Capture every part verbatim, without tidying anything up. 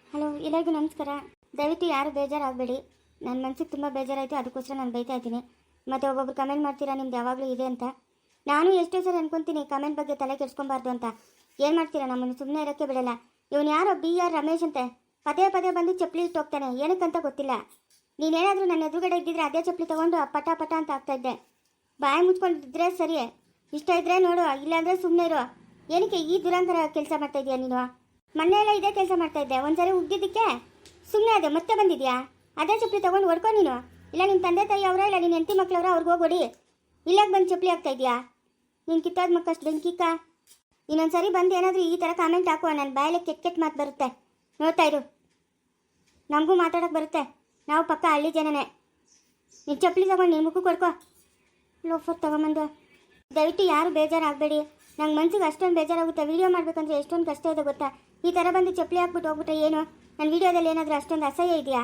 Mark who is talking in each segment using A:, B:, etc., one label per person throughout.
A: Hello, ಎಲ್ಲರಿಗೂ ನಮಸ್ಕಾರ. ದಯವಿಟ್ಟು ಯಾರು ಬೇಜಾರಾಗಬೇಡಿ. ನನ್ನ ಮನಸ್ಸಿಗೆ ತುಂಬ ಬೇಜಾರಾಯಿತು, ಅದಕ್ಕೋಸ್ಕರ ನಾನು ಬೈತಾ ಇದ್ದೀನಿ. ಮತ್ತು ಒಬ್ಬೊಬ್ರು ಕಮೆಂಟ್ ಮಾಡ್ತೀರಾ ನಿಮ್ದು ಯಾವಾಗಲೂ ಇದೆ ಅಂತ. ನಾನು ಎಷ್ಟೋ ಸರಿ ಅನ್ಕೊತೀನಿ ಕಮೆಂಟ್ ಬಗ್ಗೆ ತಲೆ ಕೆಡ್ಸ್ಕೊಬಾರ್ದು ಅಂತ. ಏನು ಮಾಡ್ತೀರಾ, ನಮ್ಮನ್ನು ಸುಮ್ಮನೆ ಇರೋಕ್ಕೆ ಬಿಡಲ್ಲ. ಇವನು ಯಾರೋ ಬಿ ಆರ್ ರಮೇಶ್ ಅಂತೆ ಪದೇ ಪದೇ ಬಂದು ಚಪ್ಪಲಿ ಇಟ್ಟು ಹೋಗ್ತಾನೆ, ಏನಕ್ಕಂತ ಗೊತ್ತಿಲ್ಲ. ನೀನೇನಾದರೂ ನನ್ನ ಎದುರುಗಡೆ ಇದ್ದಿದ್ರೆ ಅದೇ ಚಪ್ಪಲಿ ತೊಗೊಂಡು ಪಟ ಪಟ ಅಂತ ಆಗ್ತಾಯಿದ್ದೆ. ಬಾಯಿ ಮುಚ್ಕೊಂಡಿದ್ರೆ ಸರಿ, ಇಷ್ಟ ಇದ್ದರೆ ನೋಡು, ಇಲ್ಲಾಂದರೆ ಸುಮ್ಮನೆ ಇರೋ. ಏನಕ್ಕೆ ಈ ದುರಂತರ ಕೆಲಸ ಮಾಡ್ತಾ ಇದೀಯಾ ನೀನು? ಮೊನ್ನೆ ಎಲ್ಲ ಇದೇ ಕೆಲಸ ಮಾಡ್ತಾ ಇದ್ದೆ, ಒಂದ್ಸರಿ ಉಗ್ದಿದ್ದಕ್ಕೆ ಸುಮ್ಮನೆ ಅದೇ ಮತ್ತೆ ಬಂದಿದ್ಯಾ? ಅದೇ ಚಪ್ಪಲಿ ತೊಗೊಂಡು ಹೊಡ್ಕೊ ನೀನು. ಇಲ್ಲ ನಿಮ್ಮ ತಂದೆ ತಾಯಿ ಅವರ, ಇಲ್ಲ ನಿನ್ನ ಹೆಂಡತಿ ಮಕ್ಳವ್ರ, ಅವ್ರಿಗೆ ಹೋಗೋಡಿ. ಇಲ್ಲಾಗ ಬಂದು ಚಪ್ಪಲಿ ಆಗ್ತಾ ಇದೆಯಾ? ನೀನು ಕಿತ್ತಾದ ಮಕ್ಕಷ್ಟು ಬೆಂಕಿಕ್ಕ. ಇನ್ನೊಂದು ಸರಿ ಬಂದು ಏನಾದರೂ ಈ ಥರ ಕಾಮೆಂಟ್ ಹಾಕುವ, ನನ್ನ ಬಾಯಲ್ಲಿ ಕೆಟ್ಟ ಕೆಟ್ಟ ಮಾತು ಬರುತ್ತೆ. ನೋಡ್ತಾ ಇರು, ನಮಗೂ ಮಾತಾಡೋಕ್ಕೆ ಬರುತ್ತೆ. ನಾವು ಪಕ್ಕ ಹಳ್ಳಿ ಜನನೇ. ನೀನು ಚಪ್ಪಲಿ ತಗೊಂಡು ನೀನು ಮುಖಕ್ಕೆ ಕೊಡ್ಕೊ, ಲೋಫರ್ ತಗೊಂಬಂದು. ದಯವಿಟ್ಟು ಯಾರು ಬೇಜಾರಾಗಬೇಡಿ. ನಂಗೆ ಮನ್ಸಿಗೆ ಅಷ್ಟೊಂದು ಬೇಜಾರಾಗುತ್ತೆ. ವೀಡಿಯೋ ಮಾಡಬೇಕಂದ್ರೆ ಎಷ್ಟೊಂದು ಕಷ್ಟ ಇದೆ ಗೊತ್ತಾ? ಈ ಥರ ಬಂದು ಚಪ್ಪಲಿ ಹಾಕ್ಬಿಟ್ಟು ಹೋಗ್ಬಿಟ್ರೆ ಏನು? ನನ್ನ ವೀಡಿಯೋದಲ್ಲಿ ಏನಾದರೂ ಅಷ್ಟೊಂದು ಅಸಹ್ಯ ಇದೆಯಾ?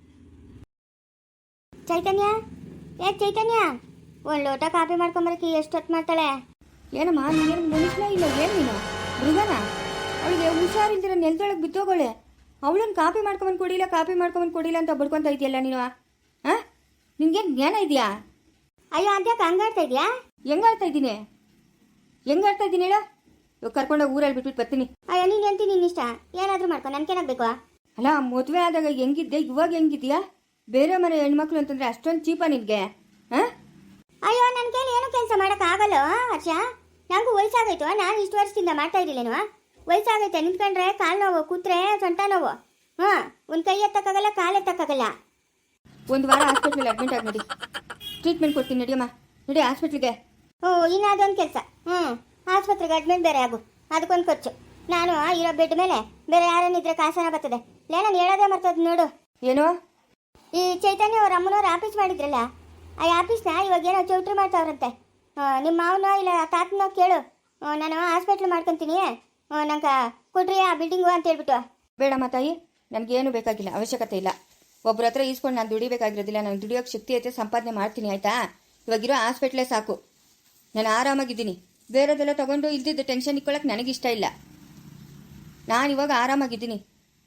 A: ಚೈತನ್ಯ, ಏ ಚೈತನ್ಯ, ಒಂದು ಲೋಟ ಕಾಫಿ ಮಾಡ್ಕೊಂಬರಕ್ಕೆ ಎಷ್ಟೊತ್ತು ಮಾಡ್ತಾಳೆ?
B: ಏನಮ್ಮ, ನೀನು ಮನುಷ್ಯನ ಇಲ್ಲ ಏನು ನೀನು ಮೃಗನ? ಅವಳಿಗೆ ಹುಷಾರಿಲ್ದಿರ ನೆಲದೊಳಗೆ ಬಿತ್ತೋಗೋಳೆ. ಅವಳನ್ನು ಕಾಫಿ ಮಾಡ್ಕೊಂಬಂದು ಕೊಡಿಲ್ಲ, ಕಾಫಿ ಮಾಡ್ಕೊಂಬಂದು ಕೊಡಿಲ್ಲ ಅಂತ ಬಡ್ಕೊತಾ ಇದೆಯಲ್ಲ ನೀನು. ಹಾಂ, ನಿನ್ಗೇನು ಜ್ಞಾನ ಇದೆಯಾ?
A: ಅಯ್ಯೋ ಅದ್ಯಾಕೆ ಹಂಗಾಡ್ತಾ ಇದೆಯಾ?
B: ಹೆಂಗಾಡ್ತಾ ಇದ್ದೀನಿ ಹೆಂಗಾಡ್ತಾ ಇದ್ದೀನಿ ಹೇಳು. ಇವಾಗ ಕರ್ಕೊಂಡೋಗಿ ಊರಲ್ಲಿ ಬಿಟ್ಬಿಟ್ಟು ಬರ್ತೀನಿ.
A: ಅಯ್ಯೋ ನೀನು ಹೇಳ್ತೀನಿ, ನಿನ್ನ ಇಷ್ಟ, ಏನಾದರೂ ಮಾಡ್ಕೊ, ನನ್ಗೇನಾಗಬೇಕು?
B: ಅಲ್ಲ, ಮದುವೆ ಆದಾಗ ಹೆಂಗಿದ್ದೆ, ಇವಾಗ ಹೆಂಗಿದ್ಯಾ? ಬೇರೆ ಮನೆ ಹೆಣ್ಮಕ್ಳು ಅಂತಂದ್ರೆ ಅಷ್ಟೊಂದು ಚೀಪಾ ನಿನಗೆ? ಹಾಂ,
A: ಅಯ್ಯೋ ನನ್ನ ಕೈಲಿ ಏನೂ ಕೆಲಸ ಮಾಡೋಕ್ಕಾಗಲ್ಲ ಹರ್ಷ. ನನಗೂ ವಯಸ್ಸಾಗೈತು, ನಾನು ಇಷ್ಟು ವರ್ಷದಿಂದ ಮಾಡ್ತಾ ಇರಲಿಲ್ಲೇನು? ವಯಸ್ಸಾಗೈತೆ, ನಿಂತ್ಕೊಂಡ್ರೆ ಕಾಲು ನೋವು, ಕೂತ್ರೆ ಸೊಂಟ ನೋವು. ಹಾಂ, ಒಂದು ಕೈ ಎತ್ತಕ್ಕಾಗಲ್ಲ, ಕಾಲು ಎತ್ತಕ್ಕಾಗಲ್ಲ.
B: ಒಂದು ವಾರ ಹಾಸ್ಪಿಟ್ಲಲ್ಲಿ ಅಡ್ಮಿಟ್ ಆಗಿ ನೋಡಿ, ಟ್ರೀಟ್ಮೆಂಟ್ ಕೊಡ್ತೀನಿ. ನಡಿಯಮ್ಮ, ನಡಿ ಹಾಸ್ಪಿಟ್ಲಿಗೆ.
A: ಓ, ಇನ್ನು ಅದೊಂದು ಕೆಲಸ. ಹ್ಞೂ, ಆಸ್ಪತ್ರೆಗೆ ಅಡ್ಮಿಟ್ ಬೇರೆ ಆಗು, ಅದಕ್ಕೊಂದು ಖರ್ಚು. ನಾನು ಇರೋ ಬೆಡ್ ಮೇಲೆ ಬೇರೆ ಯಾರನ್ನಿದ್ರೆ ಕಾಸನ ಬರ್ತದೆ. ಲೇ, ನಾನು ಹೇಳೋದೇ ಮರ್ತದ ನೋಡು.
B: ಏನು?
A: ಈ ಚೈತನ್ಯ ಅವ್ರ ಅಮ್ಮನವ್ರು ಆಫೀಸ್ ಮಾಡಿದ್ರಲ್ಲ, ಆ ಆಫೀಸ್ನ ಇವಾಗ ಏನೋ ಚೌಟ್ರಿ ಮಾಡ್ತಾವ್ರಂತೆ. ನಿಮ್ಮ ಮಾವನೋ ಇಲ್ಲ ತಾತನೋ ಕೇಳು, ನಾನು ಹಾಸ್ಪಿಟ್ಲ್ ಮಾಡ್ಕೊತೀನಿ, ನಂಗೆ ಕೊಡ್ರಿ ಆ ಬಿಲ್ಡಿಂಗು ಅಂತ ಹೇಳ್ಬಿಟ್ಟು.
B: ಬೇಡಮ್ಮ ತಾಯಿ, ನನಗೇನು ಬೇಕಾಗಿಲ್ಲ, ಅವಶ್ಯಕತೆ ಇಲ್ಲ. ಒಬ್ಬರ ಹತ್ರ ಈಸ್ಕೊಂಡು ನಾನು ದುಡಿಬೇಕಾಗಿರೋದಿಲ್ಲ. ನಾನು ದುಡಿಯೋಕ್ಕೆ ಶಕ್ತಿ ಐತೆ, ಸಂಪಾದನೆ ಮಾಡ್ತೀನಿ, ಆಯಿತಾ? ಇವಾಗಿರೋ ಹಾಸ್ಪಿಟ್ಲೇ ಸಾಕು, ನಾನು ಆರಾಮಾಗಿದ್ದೀನಿ. ಬೇರೆದೆಲ್ಲ ತೊಗೊಂಡು ಇಲ್ದಿದ್ದು ಟೆನ್ಷನ್ ಇಟ್ಕೊಳ್ಳೋಕೆ ನನಗಿಷ್ಟ ಇಲ್ಲ. ನಾನು ಇವಾಗ ಆರಾಮಾಗಿದ್ದೀನಿ.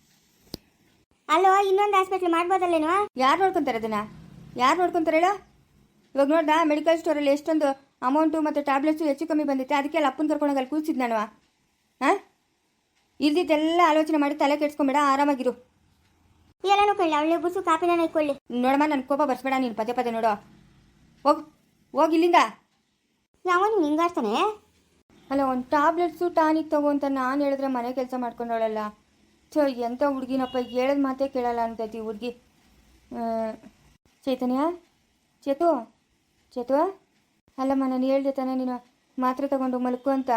A: ಅಲ್ಲೋ, ಇನ್ನೊಂದು ಹಾಸ್ಪಿಟ್ಲ್ ಮಾಡ್ಬೋದಲ್ಲೇನೋ?
B: ಯಾರು ನೋಡ್ಕೊತಾರೆ ಅದನ್ನು? ಯಾರು ನೋಡ್ಕೊತಾರೆ ಹೇಳೋ? ಇವಾಗ ನೋಡ್ದಾ, ಮೆಡಿಕಲ್ ಸ್ಟೋರಲ್ಲಿ ಎಷ್ಟೊಂದು ಅಮೌಂಟು ಮತ್ತು ಟ್ಯಾಬ್ಲೆಟ್ಸು ಹೆಚ್ಚು ಕಮ್ಮಿ ಬಂದಿತ್ತೆ. ಅದಕ್ಕೆ ಅಲ್ಲಿ ಅಪ್ಪನ ಕರ್ಕೊಂಡೋಗಿ ಅಲ್ಲಿ ಕೂರಿಸಿದ್ದು ನಾನು. ಹಾಂ, ಇಲ್ದಿದ್ದೆಲ್ಲ ಆಲೋಚನೆ ಮಾಡಿ ತಲೆ ಕೆಡ್ಸ್ಕೊಂಬೇಡ, ಆರಾಮಾಗಿರು.
A: ಎಲ್ಲನೂ ಕೊಳ್ಳಿ, ಅವಳೆ ಬುಸು ಕಾಪಿನ ಇಟ್ಕೊಳ್ಳಿ.
B: ನೋಡಮ್ಮ, ನನ್ನ ಕೋಪ ಬರ್ಸ್ಬೇಡ ನೀನು ಪದೇ ಪದೇ. ನೋಡೋ, ಹೋಗು ಹೋಗಿ ಇಲ್ಲಿಂದ.
A: ಯಾವನು ಹಿಂಗಾಡ್ತಾನೆ?
B: ಅಲ್ಲ, ಒಂದು ಟ್ಯಾಬ್ಲೆಟ್ಸು ಟಾನಿಕ್ ತಗೋ ಅಂತ ನಾನು ಹೇಳಿದ್ರೆ ಮನೆ ಕೆಲಸ ಮಾಡ್ಕೊಂಡವಳಲ್ಲ. ಚೋ, ಎಂಥ ಹುಡುಗಿನಪ್ಪ, ಹೇಳಿದ ಮಾತೇ ಕೇಳಲ್ಲ ಅಂತೈತಿ ಹುಡುಗಿ. ಚೈತನ್ಯ, ಚೇತು ಚೇತು, ಅಲ್ಲಮ್ಮ, ನಾನು ಹೇಳ್ದೆ ತಾನೆ ನೀನು ಮಾತ್ರೆ ತಗೊಂಡು ಮಲ್ಕು ಅಂತ.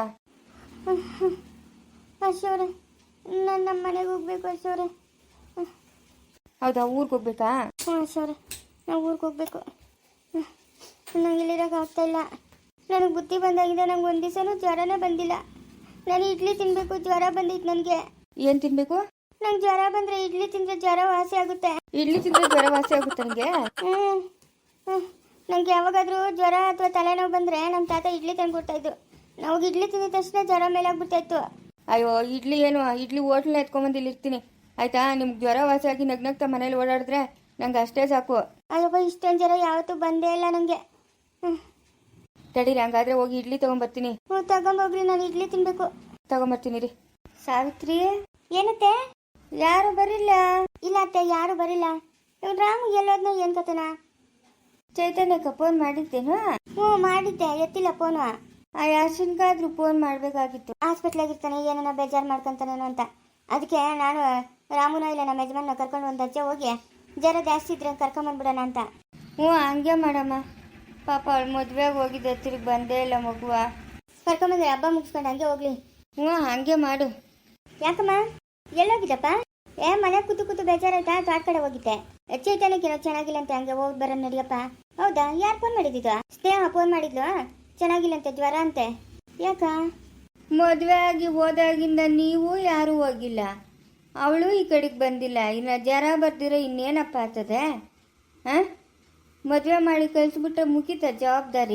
A: ಅಶೋರೆ, ನಾನು ನಮ್ಮ ಮನೆಗೆ ಹೋಗ್ಬೇಕು ಅಶೋರೆ.
B: ಹೌದಾ, ಊರಿಗೆ ಹೋಗ್ಬೇಕಾ?
A: ಹ್ಞೂ ಅಶೋರೆ, ನಾವು ಊರಿಗೆ ಹೋಗ್ಬೇಕು. ನಂಗೆ ಇಲ್ಲಿರೋಕೆ ಆಗ್ತಾ ಇಲ್ಲ. ನನಗೆ ಬುದ್ಧಿ ಬಂದಾಗಿದೆ. ನಂಗೆ ಒಂದು ದಿವಸನೂ ಜ್ವರನೇ ಬಂದಿಲ್ಲ. ನಾನು ಇಡ್ಲಿ ತಿನ್ನಬೇಕು, ಜ್ವರ ಬಂದಿತ್ತು ನನಗೆ.
B: ಏನು ತಿನ್ನಬೇಕು?
A: ನಂಗೆ ಜ್ವರ ಬಂದರೆ ಇಡ್ಲಿ ತಿಂದರೆ ಜ್ವರ ವಾಸಿ ಆಗುತ್ತೆ.
B: ಇಡ್ಲಿ ತಿಂದರೆ ಜ್ವರ ವಾಸಿ ಆಗುತ್ತೆ ನನಗೆ?
A: ಹ್ಞೂ ಹ್ಞೂ ನನಗೆ ಯಾವಾಗಾದರೂ ಜ್ವರ ಅಥವಾ ತಲೆನೋವು ಬಂದರೆ ನಮ್ಮ ತಾತ ಇಡ್ಲಿ ತಂದುಕೊಡ್ತಾಯಿದ್ದು. ನಾವು ಇಡ್ಲಿ ತಿಂದ ತಕ್ಷಣ ಜ್ವರ ಮೇಲಾಗ್ಬಿಡ್ತಾಯಿತ್ತು.
B: ಅಯ್ಯೋ, ಇಡ್ಲಿ ಏನು, ಇಡ್ಲಿ ಹೋಟ್ಲನ್ನ ಎತ್ಕೊಂಬಂದು ಇಲ್ಲಿ ಇರ್ತೀನಿ, ಆಯಿತಾ? ನಿಮ್ಗೆ ಜ್ವರ ವಾಸಿಯಾಗಿ ನಗ್ನಗ್ತಾ ಮನೇಲಿ ಓಡಾಡಿದ್ರೆ ನಂಗೆ ಅಷ್ಟೇ ಸಾಕು.
A: ಅಯ್ಯಪ್ಪ, ಇಷ್ಟೊಂದು ಜ್ವರ ಯಾವತ್ತೂ ಬಂದೇ ಇಲ್ಲ ನನಗೆ. ಹ್ಞೂ
B: ತಡೀರಿ, ಹಂಗಾದ್ರೆ ಹೋಗಿ ಇಡ್ಲಿ ತೊಗೊಂಬರ್ತೀನಿ.
A: ಹ್ಞೂ ತಗೊಂಬೋಗ್ರಿ, ನಾನು ಇಡ್ಲಿ ತಿನ್ನಬೇಕು.
B: ತಗೊಂಬರ್ತೀನಿ ರೀ.
A: ಸಾವಿತ್ರಿ, ಏನತ್ತೆ?
B: ಯಾರು ಬರಿಲ್ಲ?
A: ಇಲ್ಲ ಅತ್ತೆ, ಯಾರು ಬರಿಲ್ಲ. ಇವ್ನು ರಾಮು ಎಲ್ಲೋದ್ನೋ ಏನು ಕತೆನಾ?
B: ಚೈತನ್ಯಕ್ಕೆ ಫೋನ್ ಮಾಡಿದ್ದೇನು?
A: ಹ್ಞೂ ಮಾಡಿದ್ದೆ, ಎತ್ತಿಲ್ಲ ಫೋನು.
B: ಆ ಯಾಶನ್ಗಾದ್ರೂ ಫೋನ್ ಮಾಡಬೇಕಾಗಿತ್ತು.
A: ಹಾಸ್ಪಿಟ್ಲಾಗಿರ್ತಾನೆ, ಏನನ್ನ ಬೇಜಾರು ಮಾಡ್ಕೊತಾನೇನೋ ಅಂತ. ಅದಕ್ಕೆ ನಾನು ರಾಮುನ ಇಲ್ಲ ನಮ್ಮ ಯಜಮಾನ ಕರ್ಕೊಂಡು ಒಂದು ಅಜ್ಜ ಹೋಗಿ ಜ್ವರ ಜಾಸ್ತಿ ಇದ್ರೆ ಕರ್ಕೊಂಬಂದ್ಬಿಡೋಣ ಅಂತ.
B: ಹ್ಞೂ, ಹಂಗೆ ಮಾಡಮ್ಮ. ಪಾಪ ಅವಳು ಮದುವೆಗೆ ಹೋಗಿದ್ದೆ, ತಿರುಗಿ ಬಂದೇ ಇಲ್ಲ ಮಗುವ.
A: ಕರ್ಕೊಂಬಂದ್ರೆ ಹಬ್ಬ ಮುಗಿಸ್ಕೊಂಡು ಹಂಗೆ ಹೋಗ್ಲಿ.
B: ಹ್ಞೂ, ಹಂಗೆ ಮಾಡು.
A: ಯಾಕಮ್ಮ, ಎಲ್ಲೋಗಿದ್ದಪ್ಪ? ಏ, ಮನೆ ಕೂತು ಕೂತು ಬೇಜಾರಾಯ್ತಾ? ತೋಟ ಕಡೆ ಹೋಗಿದ್ದೆ. ಚೈತನ್ಯಕ್ಕೇನೋ ಚೆನ್ನಾಗಿಲ್ಲ ಅಂತ, ಹಂಗೆ ಹೋಗಿ ಬರೋಣ ನಡಿಯಪ್ಪ. ಹೌದಾ, ಯಾರು ಫೋನ್ ಮಾಡಿದ್ದು? ಸ್ನೇಹ ಫೋನ್ ಮಾಡಿದ್ಲು, ಚೆನ್ನಾಗಿಲ್ಲಂತೆ, ಜ್ವರ ಅಂತೆ. ಯಾಕ?
B: ಮದುವೆ ಆಗಿ ಹೋದಾಗಿಂದ ನೀವು ಯಾರೂ ಹೋಗಿಲ್ಲ, ಅವಳು ಈ ಕಡೆಗೆ ಬಂದಿಲ್ಲ. ಇನ್ನು ಜ್ವರ ಬರ್ದಿರೋ ಇನ್ನೇನಪ್ಪ ಆಗ್ತದೆ? ಹಾಂ, ಮದುವೆ ಮಾಡಿ ಕಳಿಸ್ಬಿಟ್ರೆ ಮುಗಿತ ಜವಾಬ್ದಾರಿ.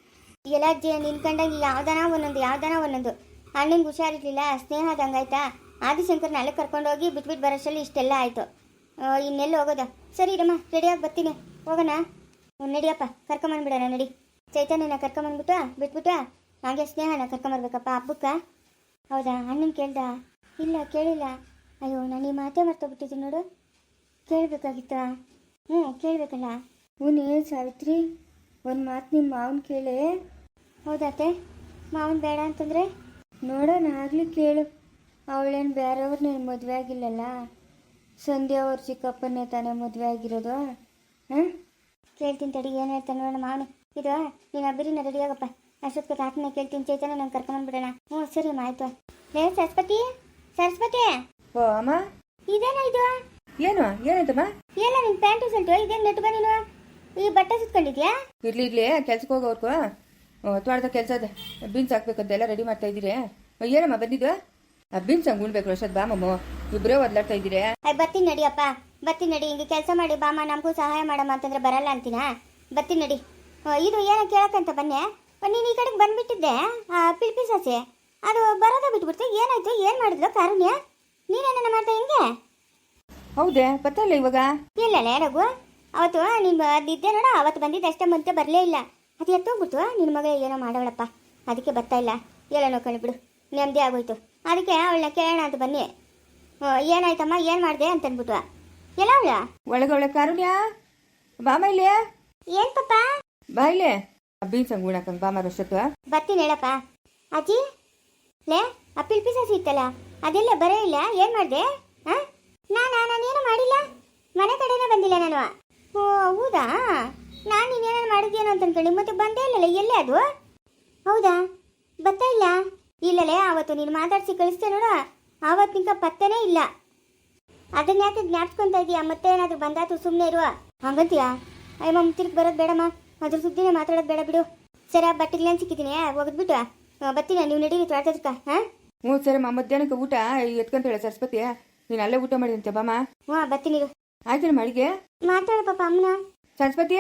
A: ಎಲ್ಲ ಜ ನಿನ್ಕಂಡಂಗೆ ಯಾವ್ದಾನ ಒಂದೊಂದು ಯಾವ್ದಾನ ಒಂದೊಂದು. ಅಣ್ಣಂಗೆ ಹುಷಾರಿರ್ಲಿಲ್ಲ, ಸ್ನೇಹ ಹಂಗಾಯ್ತಾ, ಆದಿಶಂಕರ್ನ ಅಲ್ಲೇ ಕರ್ಕೊಂಡೋಗಿ ಬಿಟ್ಬಿಟ್ಟು ಬರೋಷ್ಟರಲ್ಲಿ ಇಷ್ಟೆಲ್ಲ ಆಯಿತು. ಇನ್ನೆಲ್ಲಿ ಹೋಗೋದ? ಸರಿ ರಮ್ಮ, ರೆಡಿಯಾಗಿ ಬರ್ತೀನಿ, ಹೋಗೋಣ. ಹ್ಞೂ ನಡಿಯಪ್ಪ, ಕರ್ಕೊಂಬಂದ್ಬಿಡೋಣ ನಡಿ. ಚೈತನ್ಯನ ಕರ್ಕೊಂಬಂದ್ಬಿಟ್ಟು ಬಿಟ್ಬಿಟ್ಟು ಹಾಗೆ ಸ್ನೇಹನ ಕರ್ಕೊಂಬರ್ಬೇಕಪ್ಪ ಹಬ್ಬಕ್ಕೆ. ಹೌದಾ? ಅಣ್ಣನ ಕೇಳ್ದ? ಇಲ್ಲ ಕೇಳಿಲ್ಲ. ಅಯ್ಯೋ, ನಾನು ಈ ಮಾತೇ ಮರ್ತೋಗ್ಬಿಟ್ಟಿದ್ದೀನಿ ನೋಡು. ಕೇಳಬೇಕಾಗಿತ್ತಾ? ಹ್ಞೂ ಕೇಳಬೇಕಲ್ಲ.
B: ಹ್ಞೂ ಸಾವಿತ್ರಿ, ಒಂದು ಮಾತು ನಿಮ್ಮ ಮಾವನ ಕೇಳೆ.
A: ಹೌದಾತೆ? ಮಾವನ್ ಬೇಡ ಅಂತಂದರೆ
B: ನೋಡೋಣ, ಆಗಲಿ ಕೇಳು. ಅವಳೇನು ಬೇರೆಯವ್ರನ್ನೇನು ಮದುವೆ ಆಗಿಲ್ಲಲ್ಲ, ಸಂಧ್ಯಾ ಅವ್ರ ಚಿಕ್ಕಪ್ಪನ್ನೇ ತಾನೇ ಮದುವೆ ಆಗಿರೋದು. ಹಾಂ,
A: ಕೇಳ್ತೀನಿ ತಡಿ, ಏನು ಹೇಳ್ತಾನೆ ನೋಡೋಣ ಮಾವನು. ಇದು ನೀನು ಅಬ್ಬಿರಿನ ರೆಡಿಯಾಗಪ್ಪ, ಅಷ್ಟೊತ್ತಿಗೆ ತಾತನ ಕೇಳ್ತೀನಿ, ಚೈತನ್ಯ ನಂಗೆ ಕರ್ಕೊಂಬಂದ್ಬಿಡೋಣ. ಹ್ಞೂ ಸರಿ ಅಮ್ಮ, ಆಯಿತು. ಲೇ ಸರಸ್ವತಿ, ಸರಸ್ವತಿ.
B: ಓ ಅಮ್ಮ,
A: ಇದೇನಾ ಇದು?
B: ಏನು ಏನಾಯ್ತಮ್ಮ?
A: ಎಲ್ಲ ನಿನ್ನ ಪ್ಯಾಂಟು ಸಲ್ಟು ಇದೇನು ನೆಟ್ಗ ನೀನು ಈ ಬಟ್ಟೆ ಸುತ್ಕೊಂಡಿದ್ಯಾ?
B: ಇರ್ಲಿ ಇರ್ಲಿ, ಕೆಲ್ಸಕ್ಕೆ ಹೋಗೋರ್ಗು ತೋಟದ ಕೆಲಸ ಇದೆ, ಬೀನ್ಸ್ ಹಾಕ್ಬೇಕಂತ ಎಲ್ಲ ರೆಡಿ ಮಾಡ್ತಾ ಇದ್ದೀರಿ. ಏನಮ್ಮ ಬಂದಿದ್ದು? ಬೀನ್ಸ್ ಹಂಗೆ ಉಣ್ಬೇಕು ಅಷ್ಟೊತ್ತು ಬಾ ಮಮ್ಮ, ಇಬ್ಬರೇ ಒದ್ಲಾಡ್ತಾ ಇದ್ದೀರಿ.
A: ಅಯ್ಯ ಬರ್ತೀನಿ ನಡಿಯಪ್ಪ, ಬರ್ತೀನಿ ನಡಿ. ಹಿಂಗೆ ಕೆಲಸ ಮಾಡಿ ಬಾಮ, ನಮಗೂ ಸಹಾಯ ಮಾಡಮ್ಮ ಅಂತಂದ್ರೆ ಬರಲ್ಲ ಅಂತೀನಾ? ಬರ್ತೀನಿ ನಡಿ. ಇದು ಏನೋ ಕೇಳಕ್ಕಂತ ಬನ್ನೆ, ನೀನು ಈ ಕಡೆಗೆ ಬಂದ್ಬಿಟ್ಟಿದ್ದೆ. ಪಿಲ್ಪಿ ಸಸಿ ಅದು ಬರೋದೇ ಬಿಟ್ಬಿಡ್ತು. ಏನಾಯ್ತು? ಏನು ಮಾಡಿದ್ಲು ಕಾರುಣ್ಯ? ನೀನೇನ ಮಾಡ್ದೆ ಹಿಂಗೆ?
B: ಹೌದೇ, ಗೊತ್ತಲ್ಲ ಇವಾಗ.
A: ಇಲ್ಲಲ್ಲ ರಘು, ಅವತ್ತು ನೀನು ಅದಿದ್ದೆ ನೋಡ, ಅವತ್ತು ಬಂದಿದ್ದೆ ಅಷ್ಟೇ, ಮತ್ತೆ ಬರಲೇ ಇಲ್ಲ. ಅದು ಎತ್ತೋಗ್ಬಿಟ್ಟು ನಿನ್ನ ಮಗ ಏನೋ ಮಾಡೋಳಪ್ಪ, ಅದಕ್ಕೆ ಬರ್ತಾ ಇಲ್ಲ. ಎಲ್ಲನೋ ಕಣ್ಬಿಡು, ನೆಮ್ಮದಿ ಆಗೋಯ್ತು. ಅದಕ್ಕೆ ಅವಳನ್ನ ಕೇಳೋಣ ಅಂತ ಬನ್ನಿ. ಏನಾಯ್ತಮ್ಮ, ಏನು ಮಾಡಿದೆ ಅಂತನ್ಬಿಟ್ಟು. ಎಲ್ಲ ಅವಳ
B: ಒಳಗೆ ಒಳ್ಳೆ ಕಾರುಣ್ಯ, ಬಾಮ ಇಲ್ಲಿ.
A: ಏನು ಪಪ್ಪ?
B: ಬಾ ಇಲ್ಲಿ, ಬೀನ್ಸ್ ಹಂಗೆ ಉಣಕಂಗೆ ಬಾಮ ಅಷ್ಟೊತ್ತು.
A: ಬರ್ತೀನಿ ಹೇಳಪ್ಪ. ಅಜ್ಜಿ ಲೇ, ಆ ಪಿಲ್ಪಿ ಸಸಿ ಇತ್ತಲ್ಲ ಅದೆಲ್ಲ ಬರೇ ಇಲ್ಲ, ಏನು ಮಾಡಿದೆ? ಹಾಂ, ನಾನಾ ನಾನೇನು ಮಾಡಿಲ್ಲ, ಮನೆ ಕಡೆನೇ ಬಂದಿಲ್ಲ ನಾನು. ಓ ಹೌದಾ, ನಾನು ನೀನೇನೇನು ಮಾಡಿದ್ಯೇನೋ ಅಂತ ಅನ್ಕೊಂಡು ಮತ್ತೆ ಬಂದೇ ಇಲ್ಲಲ್ಲ. ಎಲ್ಲೇ ಅದು? ಹೌದಾ, ಬರ್ತಾ ಇಲ್ಲ. ಇಲ್ಲಲೇ, ಆವತ್ತು ನೀನು ಮಾತಾಡಿಸಿ ಕಳಿಸ್ತೇ ನೋಡು, ಆವತ್ತು ನಿಂಕ ಪತ್ತೆನೇ ಇಲ್ಲ. ಅದನ್ನ ಯಾಕೆ ಜ್ಞಾಪಿಸ್ಕೊತಾ ಇದೀಯಾ? ಮತ್ತೆ ಏನಾದರೂ ಬಂದಾತು ಸುಮ್ಮನೆ ಇರುವ ಹಂಗಂತೀಯಾ? ಅಯ್ಯಮ್ಮ ತಿರ್ಗಿ ಬರೋದು ಬೇಡಮ್ಮ, ಅದ್ರ ಸುದ್ದಿನೇ ಮಾತಾಡೋದು ಬೇಡ ಬಿಡು. ಸರಿ, ಬಟ್ಟೆಗಳೇನು ಸಿಕ್ಕಿದ್ದೀನಿ, ಹೋಗಿದ್ಬಿಟ್ಟು ಬರ್ತೀನಿ. ನೀವು ನಡೀರಿ ತೋಟದಕ್ಕ. ಹಾಂ
B: ಹ್ಞೂ ಸರಮ್ಮ, ಮಧ್ಯಾಹ್ನಕ್ಕೆ ಊಟ ಎತ್ಕೊಂತಾಳೆ ಸರಸ್ವತಿ, ನೀನು ಅಲ್ಲೇ ಊಟ ಮಾಡಿದಂತೆ ಬಾಮ.
A: ಹ್ಞೂ ಬರ್ತೀನಿ.
B: ಆಯ್ತು ಮಾಡಿಗೆ
A: ಮಾತಾಡ ಪಾಪ ಅಮ್ಮನ.
B: ಸರಸ್ವತಿ,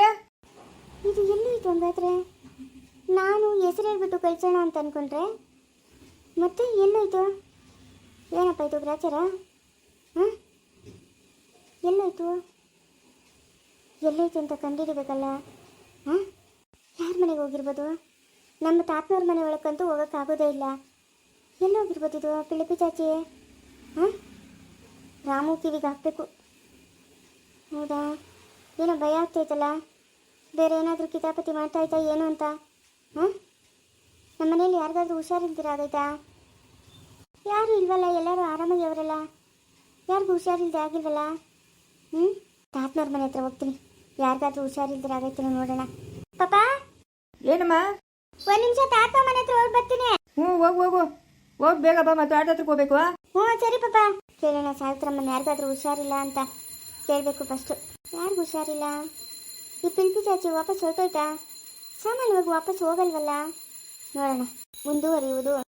A: ಇದು ಎಲ್ಲಿ ಇತ್ತು ಹಂಗಾದ್ರೆ? ನಾನು ಹೆಸರು ಹೇಳ್ಬಿಟ್ಟು ಕಳ್ಸೋಣ ಅಂತ ಅನ್ಕೊಂಡ್ರೆ ಮತ್ತೆ ಎಲ್ಲೋಯ್ತು? ಏನಪ್ಪ ಇದು ಗ್ರಾಚಾರ? ಹಾಂ, ಎಲ್ಲೋಯ್ತು? ಎಲ್ಲೋಯ್ತು ಅಂತ ಕಂಡುಹಿಡಿಬೇಕಲ್ಲ. ಹಾಂ, ಯಾರ ಮನೆಗೆ ಹೋಗಿರ್ಬೋದು? ನಮ್ಮ ತಾತನವ್ರ ಮನೆ ಒಳಕ್ಕಂತೂ ಹೋಗೋಕ್ಕಾಗೋದೇ ಇಲ್ಲ. ಎಲ್ಲೋಗಿರ್ಬೋದು ಇದು? ಪಿಳಿಪಿ ಚಾಚಿ. ಹಾಂ, ರಾಮು ಕಿವಿಗೆ ಹಾಕಬೇಕು. ಹೌದಾ? ಏನೋ ಭಯ ಆಗ್ತೈತಲ್ಲ, ಬೇರೆ ಏನಾದರೂ ಕಿತಾಪತಿ ಮಾಡ್ತಾಯ್ತಾ ಏನು ಅಂತ. ಹಾಂ, ನಮ್ಮ ಮನೇಲಿ ಯಾರಿಗಾದ್ರೂ ಹುಷಾರಿಲ್ದಿರ ಆಗೈತಾ? ಯಾರು ಇಲ್ವಲ್ಲ, ಎಲ್ಲರೂ ಆರಾಮಾಗಿ ಅವರಲ್ಲ, ಯಾರಿಗೂ ಹುಷಾರಿಲ್ದೆ ಆಗಿಲ್ವಲ್ಲ. ಹ್ಞೂ, ತಾತನವ್ರ ಮನೆ ಹತ್ರ ಹೋಗ್ತೀನಿ, ಯಾರಿಗಾದ್ರೂ ಹುಷಾರಿಲ್ದಿರ ಆಗೈತೇನೋ ನೋಡೋಣ. ಪಾಪ
B: ಏನಮ್ಮ?
A: ಒಂದು ನಿಮಿಷ, ತಾತ ಮನೆ ಹತ್ರ ಹೋಗಿ ಬರ್ತೀನಿ.
B: ಹ್ಞೂ ಹೋಗು ಹೋಗು ಹೋಗಿ ಬೇಗ ಬಾ, ಮತ್ತೆ ಆಟ ಹತ್ರಕ್ಕೆ ಹೋಗ್ಬೇಕು.
A: ಹ್ಞೂ ಸರಿ ಪಾಪ. ಕೇಳೋಣ ಸಾವಿತ್ರಮ್ಮನ, ಯಾರಿಗಾದ್ರೂ ಹುಷಾರಿಲ್ಲ ಅಂತ ಕೇಳಬೇಕು ಫಸ್ಟು. ಯಾರಿಗೂ ಹುಷಾರಿಲ್ಲ? ಈ ಪಿಲ್ಪಿ ಚಾಚಿ ವಾಪಸ್ ಹೊರಟೋಯ್ತಾ? ಸಾಮಾನ್ಯವಾಗಿ ವಾಪಸ್ ಹೋಗಲ್ವಲ್ಲ. ನೋಡೋಣ, ಮುಂದುವರಿಯುವುದು